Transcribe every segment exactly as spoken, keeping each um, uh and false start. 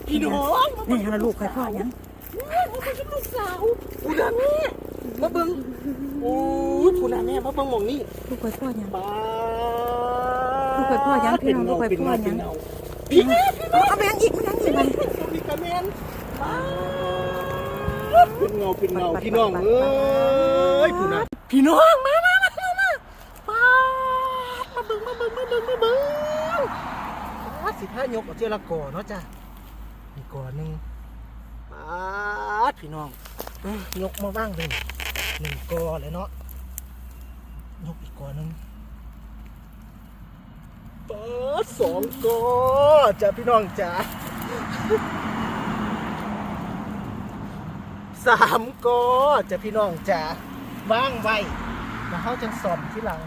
พี่น้องนี่ฮะลูกใครพ่อยังมาเป็นลูกสาวผู้นำแม่มาเบิ่งโอ้ยผู้นำแม่มาเบิ่งหม่องนี่ลูกใครพ่อยังป้าลูกใครพ่อยังพี่น้องลูกใครพ่อยังพี่แม่เอาไปยังอีกมันยังอีกมันพี่กระแมนเป็นเงาเป็นเงาพี่น้องเอ้ยผู้นำพี่น้องมามามามามาป้ามาเบิ่งมาเบิ่งมาเบิ่งมาเบิ่งป้าสิท้ายกเอาเจละก่อเนาะจ้ะอีกก่อนึงป้าพี่น้องยกมาว่างเลยหนึ่งกอเลยเนาะยกอีกกอหนึ่งเปิดสองกอจ้ะพี่น้องจ้ะสามกอจ้ะพี่น้องจ้ะว่างไว้แล้วเขาจะส่อมที่หลัง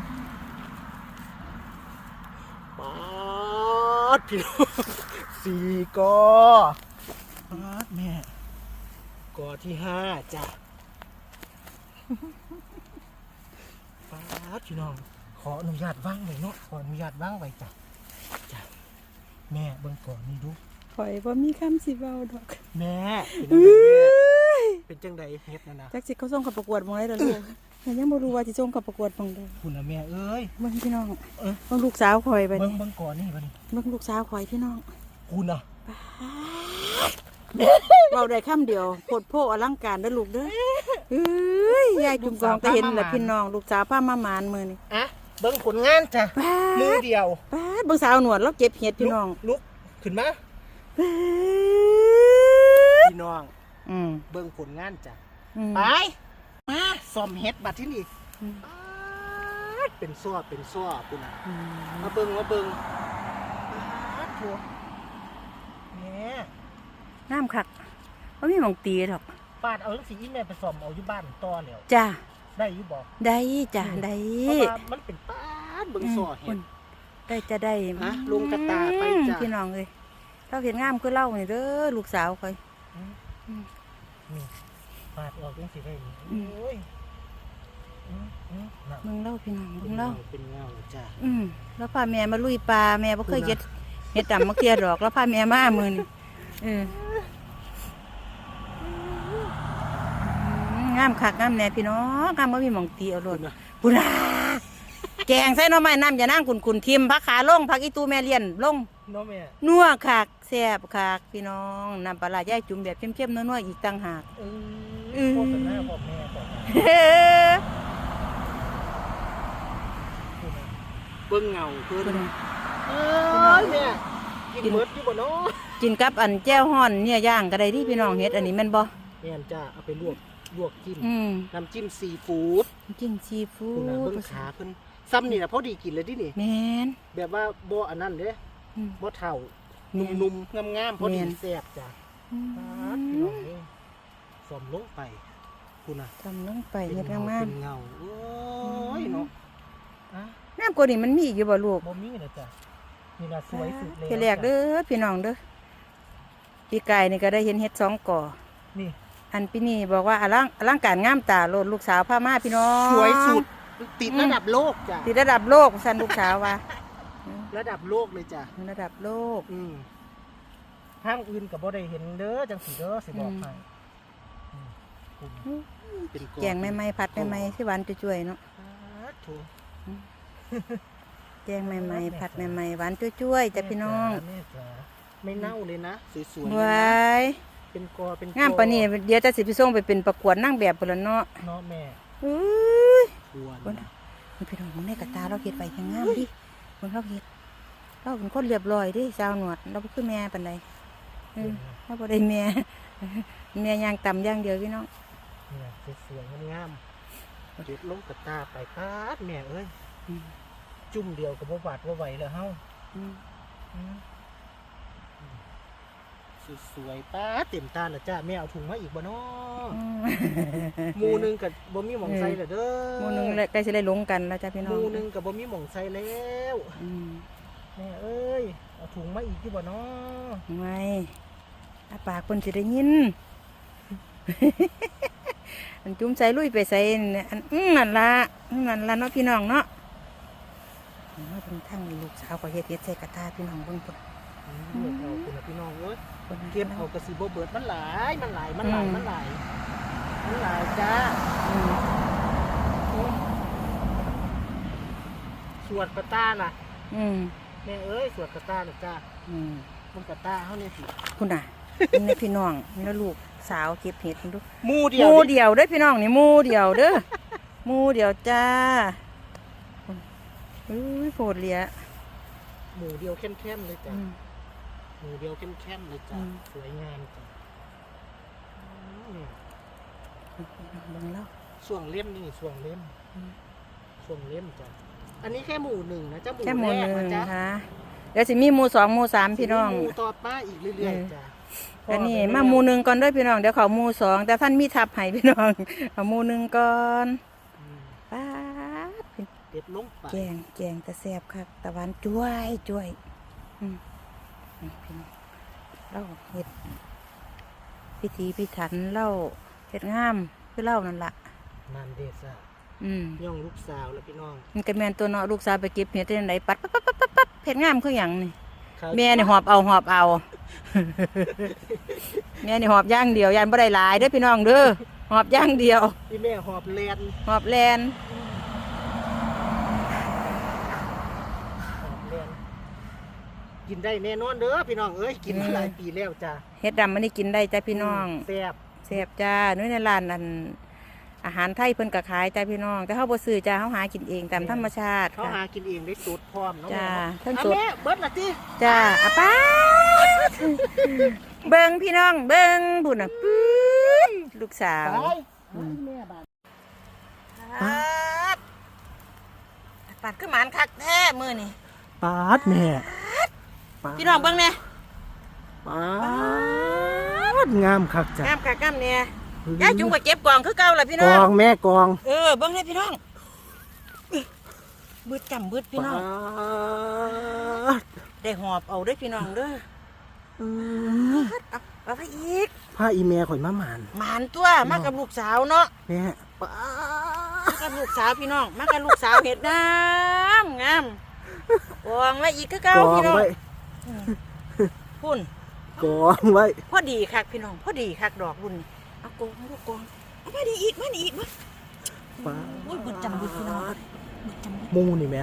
ปัดพี่น้องสี่กอปัดแม่กอที่ห้าจ้ะป้าพี่น้องขออนุญาตว่างไว้เนาะขออนุญาตว่างไว้จ้ะจ้ะแม่เบิ่งก่อนนี่ดูข่อยว่ามีคำสิเบาดอกแม่เป็นจังไดเฮ็ดนะนะจักสิเขาส่งกับประกวดมองได้หรอลูกแต่ยังบ่รู้ว่าสิส่งกับประกวดมองได้คุณนะแม่เอ้ยเบิ่งพี่น้องเบิ่งลูกสาวข่อยไปเบิ่งนี่เบิ่งก่อนนี่บัดนี้เบิ่งลูกสาวข่อยพี่น้องคุณน่ะเบาได้คำเดียวโพดโพอลังการเด้อลูกเด้อเอ้ยยายจุ่มกองก็เห็นแหละพี่น้องลูกสาวพามาหมานมื้อนี้อะเบิ่งผลงานจ้ะมือเดียวป้าดเบิ่งสาวหนวดแล้วเก็บเห็ดพี่น้องลุกขึ้นมาป้าดพี่น้องอืมเบิ่งผลงานจ้ะอืมไปมาซ่อมเฮ็ดบัดที่นี่อืมป๊าดเป็นซ้อเป็นซ้อคุณน่ะอืมมาเบิ่งมาเบิ่งป๊าดโถแม่น้ำคักบ่มีหม่องตีดอกปาดเอาจังซี่อีแม่ไปซ่อมเอาอยู่บ้านต่อแล้วจ้าได้อยู่บ่ได้จ้าได้เพราะว่ามันเป็นป้าดเบิ่งซ้อเฮ็ดได้จะได้ฮะลุงกระตาไปจ้ะพี่น้องเลยเราเห็นงามคือเล่านี่เด้อลูกสาวคอยนี่ปาดออกจังซี่ได้นี่อืมโอ้ยอืมอืมน่ะมึงเล่าพี่น้องเป็มึนงเงาเล่าเป็นเงาจ้ะอืมแล้วพาแม่มาลุยปลาแม่บ่เคยเฮ็ดเฮ็ดดำมะเขือดอกแล้วพาแม่มามื้อนี่เอออืมงามคักงามแน่พี่น้องงามบ่มีหม่องตีเอาโลดปุราแกงใส่หน่อไม้น้ำอย่านั่งขุนๆทิมผักขาลงผักอีตูแม่เลี้ยนลงเนาะแม่นัวคักแซ่บคักพี่น้องน้ำปลาร้าย่ายจุ่มแบบเข้มๆนัวๆอีกต่างหากเออือมโฆษณาบอกแม่บอกแม่เฮ้อเบิ่งเงาเพิ่นเอ้ยแม่กินหมดอยู่บ่เนาะกินกับอันแจ้วฮ้อนเนี่ยย่างก็ได้ที่พี่น้องเฮ็ดอันนี้แม่นบ่แม่นจ้ะเอาไปลวกลวกจิ้มอืมน้ำจิ้มซีฟู้ดจิ้มซีฟู้คุณน่ะดเบิ่งขาเพิ่นซ้ำนี่น่ะพอดีกินเลยดินี่แม่นแบบว่าบ่อันนั้นเด้อืมบ่เฒ่าแม่นนุ่มๆงามๆพอดีแม่นแซ่บจ้ะอืปาดพี่น้องเอ้ยสมลงไปคุณน่ะทำลงไปเป็นเฮ็ดเงางามเป็นเงาโอ้ยเนาะอ่ะๆน้ำกว่านี้มันมีอีกอยู่บ่ลูกบ่มีนะจ้ะนี่น่ะสวยสุดเลยพี่แรกเด้อพี่น้องเด้อปีกายนี่ก็ได้เห็นเฮ็ดสองก่อนี่อันพี่นี่บอกว่าอลังอลังการงามตาโลดลูกสาวพามาพี่น้องสวยสุดติดระดับโลกจ้ะติดระดับโลกสั่นลูกสาวว่าระดับโลกเลยจ้ะระดับโลกอืมทางอื่นก็บ่ได้เห็นเด้อจังสีเด้อสิบอกให้อืมคุณเป็นแกงใหม่ๆผัดใหม่ๆที่หวานจุ้ยๆเนาะสาธุแกงใหม่ๆผัดใหม่ๆหวานจุ้ยๆจ้ะพี่น้องแม่จ๋าไม่เน่าเลยนะสวยๆเลยว้านะยเป็นกอเป็นกองามปานนี้เดี๋ยวจะสิไปส่งไปเป็นประกวดนางแบบพุ่นละเนาะเนาะแม่อุ้ยควรเบิ่งนี่พี่น้องมึงในกระตาเราเฮ็ดไว้แข็งงามดิเบิ่งเราเฮ็ดเราเป็นคนเรียบร้อยดิสาวหนวดเราบ่คือแม่ปานใดเออเราบ่ได้แม่ แม่ย่างต่ำอย่างเดียวพี่น้องเนี่ยสวยๆงามๆเด็ดลงกระตาไปปาดแม่เอ้ยอืมจุ่มเดียวกับบ่บาดบ่ไหวแล้วเฮาอืมอืมสวยๆป้าเต็มตาแล้วจ้าแม่เอาถุงมาอีกบ่เนาะอืมหมูหนึงกับบ่มีหม่องใส่แล้วเด้อหมู่หนึงแล้วใกล้สิได้ลงกันแล้วจ้ะพี่น้หองมูหนึงกับบ่มีหม่องใส่แล้วอืมแม่เอ้ยเอาถุงมาอีกอยู่บ่เนาะไม่อาปากเพิ่นสิได้ยิน อันจุ้มใส่ลุยไปใส่เนี่ยอันอื้อนั่นละอื้อนั่นละเนาะพี่น้องเนาะเนาะเป็นทั้งลูกสาวก็เฮ็ดเฮ็ดใส่กระทะพี่น้องเบิ่งพุ่นเลือกเอาคุณพี่น้องเอ้ยคนนั้นเก็บเอากระสีโบเบิดมันหลายมันหลายมันหลายมันหลายมันหลายจ้าอืมสวดกระต้าน่ะอืมแม่เอ้ยสวดกระต้าน่ะจ้าอืมมันกระต้าเขาเนี่ยสิคุณน่ะเป็นในพี่น้องแล้วลูกสาวเก็บเห็ดคุณดูหมูเดีหยวมูนี่เดียวเด้อพี่น้องนี่หมูเดียวเด้อหมูเดียวจ้าอุ้ยโผดเลียหมูเดียวเข้มๆเลยจ้าอืมหมูเดียวเข้มๆเลยจ้าอืมสวยงามจ้าอืมเบิ่งแล้วส่วงเล่มนี่ส่วงเล่มอืมส่วงเล่มจ้าอันนี้แค่หมูหนึ่งนะจ้าหมูแค่หมูแรหกนึ่นะงจ้าค่ะเดี๋ยวสิมีหมูสองหมูสามพี่น้องหมูต่อป้าอีกเรื่อยเออๆจ้าแล้วนี่มาหมูหนึ่งก่อนด้วยพี่น้องเดี๋ยวเขาหมูสองแต่ท่านมีทับให้พี่น้องเอาหมูหนึ่งก่อนอืมป้าดเด็ดลงไปแกงแกงตะแซบครับตะวันจ้วยจ้วยอืมนี่พี่น้องเล่าเห็ดพิธีพิถันเล่าเห็ดงามคือเล่านั่นละนานเดซ่าอืมย่องลูกสาวแล้วพี่น้องมันก็แม่นตัวเนาะลูกสาวไปเก็บเห็ดที่ไหนปัดปั๊บปั๊บปั๊บปั๊บปั๊บเห็ดงามคืออย่างนี่ข้าวแม่นี่หอบเอาหอบเอา แม่นี่หอบอย่างเดียวยันบ่ได้หลายเด้อพี่น้องเด้อหอบอย่างเดียวพี่แม่หอบแลนหอบแลนหอบแลนกินได้แน่นอนเด้อพี่น้องเอ้ยกินมาหลายปีแล้วจ้าเห็ดดำมันนี่กินได้จ้ะพี่น้องแซ่บแซ่บจ้าน้อยในร้านอันอาหารไทยเพิ่นก็ขายจ้าพี่น้อง แต่เฮาบ่ซื้อจ้าเฮาหากินเองตามธรรมชาติเขาหาค่ะกินเองได้สูตรพร้อมเนาะจ้าแม่ทั้งเนาะสดอ่ะแม่เบิดละติจ้าอาป้าดเบิ่งพี่น้องเบิ่งพุ่นน่ะปื๊ดลูกสาวไปแม่บาดปัดปัดคือหมานคักแท้มื้อนี่ปาดแม่ปาดพี่น้องเบิ่งแน่ปาดงามคักจ้ะงามคักงามแน่ยายจุงก็เก็บกล่องคือเก่าล่ะพี่กน้ออง งแม่กองเออเบิ่งแน่พี่น้องบึดจำบึดพี่น้องปาดได้หอบเอาเด้อพี่น้องเด้ออืมเอาเอาไปอีกผ้าอีแม่ข่อยมาหมานหมานตัวมากับลูกสาวเนาะแม่ปามาดกับลูกสาวพี่น้องมากับลูกสาวเห็ดงามงามกองไว้อีกคือเก่ากองพี่น้องไว้อืมพุ่นกองไว้พอดีคักพี่น้องพอดีคักดอกรุ่นนี่เอากองลูกกองเอามาดีอีกมาดีอีกมาปาดโอ้ยบึดจำบึดพี่น้องบึดจำบึดมูนี่แม่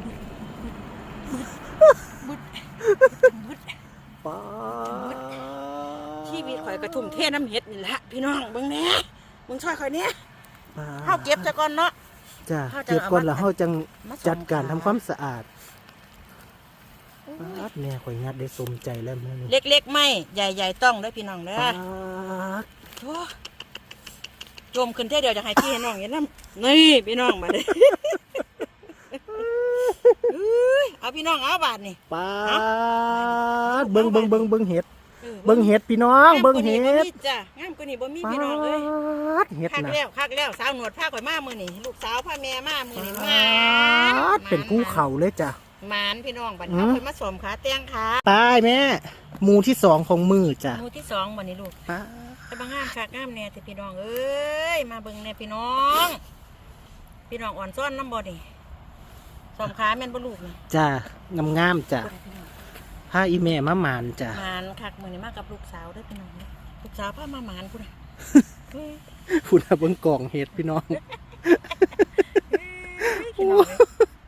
บึดบึดปาดชีวิตข่อยกระทุ่มเทน้ำเห็ดนี่แหละพี่น้องเบิ่งแหน่เบิ่งช่วยข่อยเนี้ยปาดเฮาเก็บซะก่อนเนาะจ้ะเฮาจะเก็บก่อนแล้วเอามาเฮาจังมาส่งจัดการทำขายความสะอาดปาดแม่ข่อยงัดได้สมใจแล้วมื้อนี้เล็กๆไม่ใหญ่ๆต้องเด้อพี่น้องเด้อปาดโถ่โจมขึ้นเท่เดียวจะให้พี่ให้น้องเห็นน้ำนี่พี่น้องมาเลยเอาพี่น้องเอาบาทนี่ปาดเบิ่งเบิ่งเบิ่งเบิ่งเห็ดออเบิ่งเห็ดพี่น้องงามเบิ่งกว่าเห็นี้บ่ดมีจ้ะงามกว่านี้บ่มีปาพี่น้องเอ้ยดเห็ดคักนะแล้วคักแล้วสาวหนวดผ้าข่อยมามื้อนี้ลูกสาวผ้าแม่มามื้อนี้ปมาาดเป็นภูเขาเลยจ้ะหมานพี่น้องบัดอืนี้มเอาข่อยมาสวมขาแต้งขาตายแม่หมู่ที่สองของมือจ้ะหมู่ที่สองบัดนี้ลูกปาดแต่บางงามคักงามแน่แต่พี่น้องเอ้ยมาเบิ่งแน่พี่น้อง พี่น้องอ่อนซ้อนน้ำบ่นี่สวมขาแม่นบ่ลูกนี่จ้ะงามๆจ้ะพาอีแม่มาหมานจ้ะหมานคักมื้อนี้มากับลูกสาวเด้อพี่น้องเด้อลูกสาวพามาหมานพุ่นน่ะเฮ้ยพุ่นน่ะเบิ่งกล่องเห็ดพี่น้องพี่น้องเอ้ย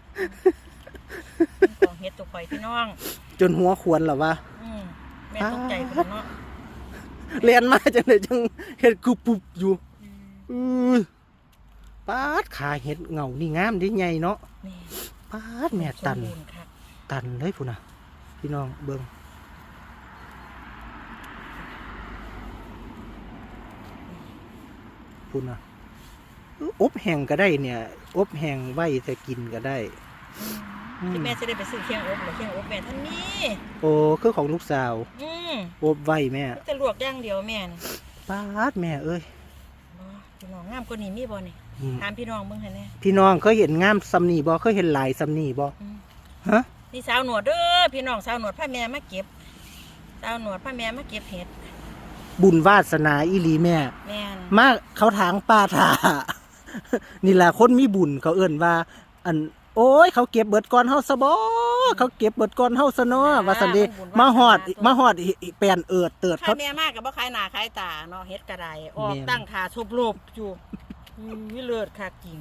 เป็นของเฮ็ดตัวข่อยพี่น้องจนหัวขวนแล้ววะอืมแม่ตกใจพุ่นเนาะเรียนมาจังเลยจังเห็ดกุบปุบอยู่อือปาดขาเห็ดเงานี่งามดิใหญ่เนาะแม่ปาดแม่ตันสบูรณ์คักตันเลยพุ่นน่ะพี่น้องเบิ่งพุ่นน่ะอบแห้งก็ได้เนี่ย อบแห้งไว้แต่กินก็ได้อืมที่แม่จะได้ไปซื้อเคียงอบหรือเคียงอบแม่ท่านนี้โอ้คือของลูกสาวอืมอบไว้แม่จะลวกอย่างเดียวแม่นี่ปาดแม่เอ้ยบ่พี่น้องงามกว่านี้มีบ่นี่อืมถามพี่น้องเบิ่งหั่นแหน่พี่น้องเคยเห็นงามซำนี่บ่เคยเห็นหลายซำนี่บ่อืมฮะนี่สาวหนวดเด้อพี่น้องสาวหนวดพาแม่มาเก็บสาวหนวดพาแม่มาเก็บเห็ดบุญวาสนาอีหลีแม่แม่นมาเขาถางป่าถา นี่แหละคนมีบุญเขาเอิ่นว่า อันโอ้ยเขาเก็บเบิดก่อนเฮาซะบ่เขาเก็บเบิดก่อนเฮาซะเนาะว่าซั่นเด้มาฮอดมาฮอดอีแปลนเอิดเติดใครเขาแม่มากกับบ่ขายหน้าขายตาเนาะเฮ็ดกระไดออกแม่นตั้งขาทุบรูปอยู่อุ้ยเลิศคักจริง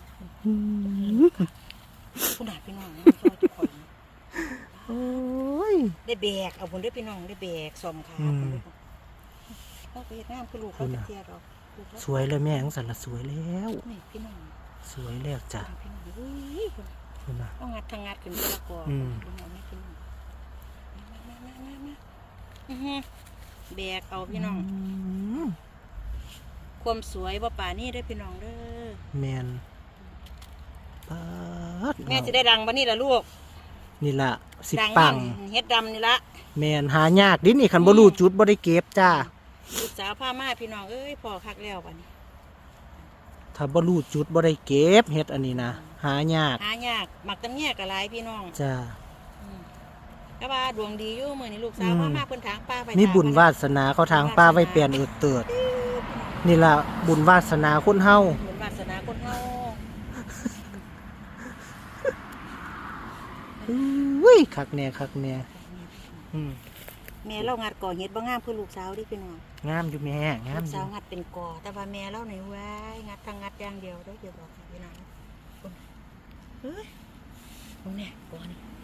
ผู้หนาพี่น้องซอยทุกคนโอ้ยได้แบกเอาพุ่นเด้อพี่น้องได้แบกซ่อมขาอืมพุ่นเด้อเขาไปเฮ็ดงานคือลูกเขาจะเทียดอกลูกเขาสวยเลยแม่จังซั่นล่ะสวยแล้วนี่พี่น้องสวยแล้วจ้ะพี่น้องอุ้ยคุณน่ะเอางัดทางงัดขึ้นไปละก่อนอืมพี่น้องนี่พี่น้องมามามามามาอื้อหือแบกเอาพี่น้องมความสวยบ่ป่านี่เด้อพี่น้องเด้อแม่นปาดแม่จะได้ดังบ่นี่ล่ะลูกนี่ล่ะสิดังปังเฮ็ดดำนี่ละแม่นหายากดินี่คันบ่รู้จุดบ่ได้เก็บจ้าลูกสาวพามาพี่น้องเอ้ยพอคักแล้วบัดนี้ถ้าบ่รู้จุดบ่ได้เก็บเฮ็ดอันนี้นะหายากหายากหมักตำแยกกะหลายพี่น้องจ้าอืมก็ว่าดวงดีอยู่มื้อนี้ลูกสาวอืมพามาเพิ่นทางป้าไปมีบุญทงวาสนาเขาทางป้าไว้แปลนเอิดเติด นี่ล่ะบุญวาสนาคนเฮาบุญวาสนาคนเฮาอุ้ยคักแน่คักแน่อืมแม่เรางัดก่อเฮ็ดบ่งามคือลูกสาวเดิพี่น้องงามอยู่แม่งามลูกอสายู่วงัดเป็นก่อแต่ว่าแม่เราในไว้งัดทางงัดอย่างเดียวเด้อเดี๋ยวบอกให้พี่น้องคนเฮ้ยโอ้เนี่ยก่อนี่